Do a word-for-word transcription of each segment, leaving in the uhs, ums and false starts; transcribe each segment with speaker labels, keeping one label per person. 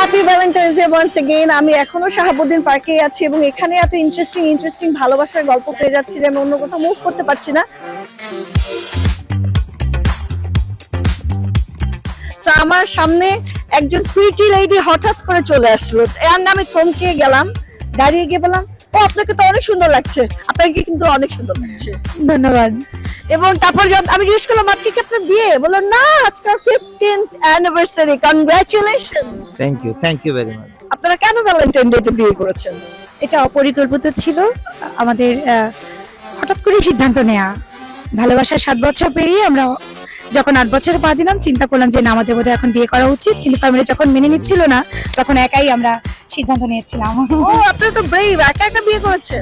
Speaker 1: Happy valentine's day once again. আমি এখনো শাহাবুদ্দিন পার্কে আছি এবং এখানে এত ইন্টারেস্টিং ইন্টারেস্টিং ভালোবাসার গল্প পেয়ে যাচ্ছি যে আমি অন্য কোথাও মুভ করতে পারছি না। So, আমার সামনে একজন প্রিটি লেডি হঠাৎ করে চলে আসলো, এর নামে থমকে গেলাম, দাঁড়িয়ে গিয়ে বললাম, ও আপনাকে তো অনেক সুন্দর লাগছে। আপনাকে কিন্তু অনেক সুন্দর লাগছে, ধন্যবাদ। এবং তারপর যখন আমি জিজ্ঞেস করলাম আজকে কি আপনার বিয়ে, বললো না আজকে fifteenth anniversary, congratulations.
Speaker 2: Thank you thank you very much.
Speaker 1: আপনারা কেন ভ্যালেন্টাইন ডে তে বিয়ে করেছেন?
Speaker 3: এটা অপরিকল্পিত ছিল, আমাদের আহ, হঠাৎ করে সিদ্ধান্ত নেওয়া। ভালোবাসার সাত বছর পেরিয়ে আমরা যখন আট বছরে পা দিলাম চিন্তা করলাম যে না আমাদের বোধহয় এখন বিয়ে করা উচিত, কিন্তু ফ্যামিলি যখন মেনে নিচ্ছিল না তখন একাই আমরা সিদ্ধান্ত নিয়েছিলাম।
Speaker 1: ও আপনারা তো ব্রেভ, একা একা বিয়ে করেছেন।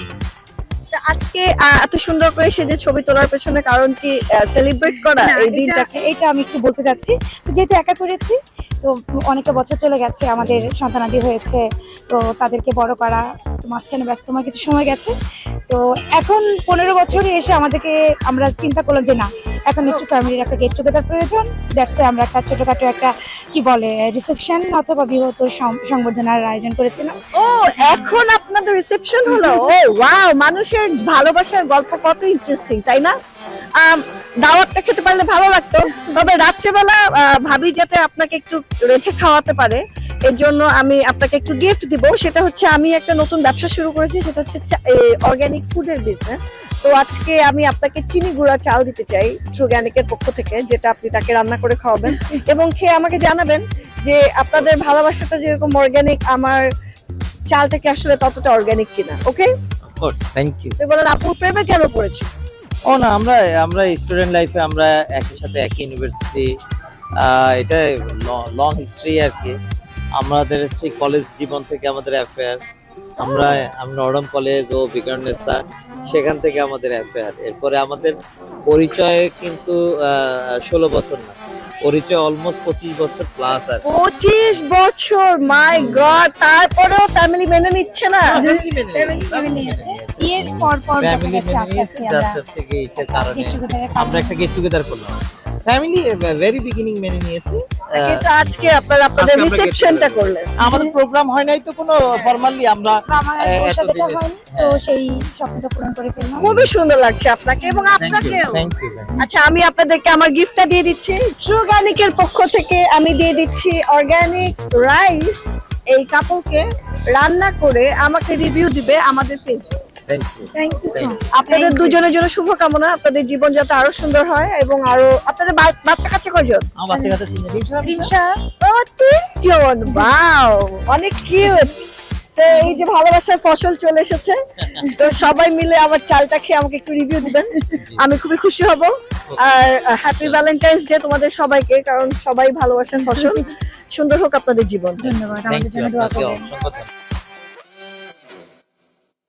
Speaker 1: তা আজকে আহ, এত সুন্দর করে সেজে ছবি তোলার পেছনে কারণ কি সেলিব্রেট করা
Speaker 3: না,
Speaker 1: এই
Speaker 3: এটা-
Speaker 1: দিনটাকে?
Speaker 3: এটা আমি একটু বলতে চাচ্ছি, তো যেহেতু একা করেছি তো অনেকটা বছর চলে গেছে, আমাদের সন্তানাদি হয়েছে, তো তাদেরকে বড় করা, তো মাঝখানে ব্যস্তময় কিছু সময় গেছে, তো এখন পনেরো বছরে এসে আমাদেরকে আমরা চিন্তা করলাম যে না এখন একটু ফ্যামিলির একটা গেট টুগেদার প্রয়োজন। দ্যাটস আমরা একটা ছোটখাটো একটা কি বলে রিসেপশন অথবা বৃহত্তর সং- সংবর্ধনার আয়োজন করেছিলাম।
Speaker 1: ও এখন আপনাদের রিসেপশন হলো। ও ওয়াও, মানুষের ভালোবাসার গল্প কত ইন্টারেস্টিং, তাই না? আম, দাওয়াতটা খেতে পারলে ভালো লাগতো, তবে রাত্রেবেলা আহ, ভাবি যাতে আপনাকে একটু রেখে খাওয়াতে পারে এর জন্য আমি আপনাকে একটু গিফট দিব। সেটা হচ্ছে আমি একটা নতুন ব্যবসা শুরু করেছি, সেটা হচ্ছে অর্গানিক ফুডের বিজনেস। তো আজকে আমি আপনাকে চিনি গুঁড়া চাল দিতে চাই ট্রুগ্যানিকের পক্ষ থেকে, যেটা আপনি তাকে রান্না করে খাওয়াবেন এবং খেয়ে আমাকে জানাবেন যে আপনাদের ভালোবাসাটা যেরকম অর্গানিক আমার চালটাকে আসলে ততটা অর্গানিক কিনা। Okay,
Speaker 2: of course, thank you.
Speaker 1: তো বলেন আপু প্রেমে কেন পড়েছে?
Speaker 2: ও না, আমরা আমরা স্টুডেন্ট লাইফে আমরা একই সাথে একই ইউনিভার্সিটি, এটা লং হিস্ট্রি আর কি। আমাদের হচ্ছে কলেজ জীবন থেকে আমাদের অ্যাফেয়ার, আমরা আমরা নরম কলেজ ও বিকারনেসা, সেখান থেকে আমাদের অ্যাফেয়ার। এরপরে আমাদের পরিচয় কিন্তু ষোলো বছর না, পরিচয় অলমোস্ট পঁচিশ বছর প্লাস আর কি।
Speaker 1: পঁচিশ বছর, মাই গড! তারপরেও ফ্যামিলি মেনে নিচ্ছে না?
Speaker 2: ফ্যামিলি মেনে
Speaker 3: মেনে নিয়েছে। বিয়ের পর পর দেখা
Speaker 2: ফ্যামিলি
Speaker 3: গেছে
Speaker 2: মেনে
Speaker 3: আস্তে
Speaker 2: নিয়েছে,
Speaker 3: আস্তে
Speaker 2: জাস্ট
Speaker 3: আমরা
Speaker 2: হচ্ছে কি ইসের কারণে
Speaker 3: get together এর
Speaker 2: আমরা একটা গেট টুগেদার করলাম। ফ্যামিলি ভেরি বিগিনিং মেনে নিয়েছে।
Speaker 1: কিন্তু আজকে আপনারা আপনাদের
Speaker 2: আজকে আমরা get
Speaker 1: রিসেপশনটা
Speaker 2: together
Speaker 1: করলেন।
Speaker 2: আমাদের প্রোগ্রাম হয় নাই তো কোনো ফর্মালি আমরা
Speaker 3: আমার
Speaker 2: আহ,
Speaker 3: ওর সাথে যেটা
Speaker 2: এতদিনে-
Speaker 3: হয়নি, তো সেই স্বপ্নটা পূরণ করে ফেললাম।
Speaker 1: খুবই সুন্দর লাগছে আপনাকে এবং আপনাকেও।
Speaker 2: Thank you.
Speaker 1: আচ্ছা, আমি আপনাদেরকে আমার গিফটটা দিয়ে দিচ্ছি। ট্রুগ্যানিকের পক্ষ থেকে আমি দিয়ে দিচ্ছি অর্গানিক রাইস। এই কাপড়কে রান্না করে আমাকে রিভিউ দিবে আমাদের পেজে।
Speaker 2: Thank you.
Speaker 3: Thank you so much.
Speaker 1: আপনাদের দুজনের জন্য শুভকামনা, আপনাদের জীবন যাতে আরো সুন্দর হয় এবং আরো আপনাদের বা- বাচ্চা কাচ্চা কয়জন?
Speaker 2: আমার বাচ্চা কাচ্চা তিনজন। রিমসা,
Speaker 3: রিমসা
Speaker 1: ও তিনজন, ওয়াও অনেক কিউট। এই যে ভালোবাসার ফসল চলে এসেছে, তো সবাই মিলে আমার চালটা খেয়ে আমাকে একটু রিভিউ দিবেন, আমি খুবই খুশি হব। আর হ্যাপি ভ্যালেন্টাইন্স ডে তোমাদের সবাইকে, কারণ সবাই ভালোবাসার ফসল। সুন্দর হোক আপনাদের জীবন।
Speaker 3: ধন্যবাদ,
Speaker 2: থ্যাংক
Speaker 3: আমাদের
Speaker 2: ইউ
Speaker 3: জন্য দোয়া
Speaker 2: আপনাকে
Speaker 3: করবেন।
Speaker 2: অসংখ্য ধন্যবাদ।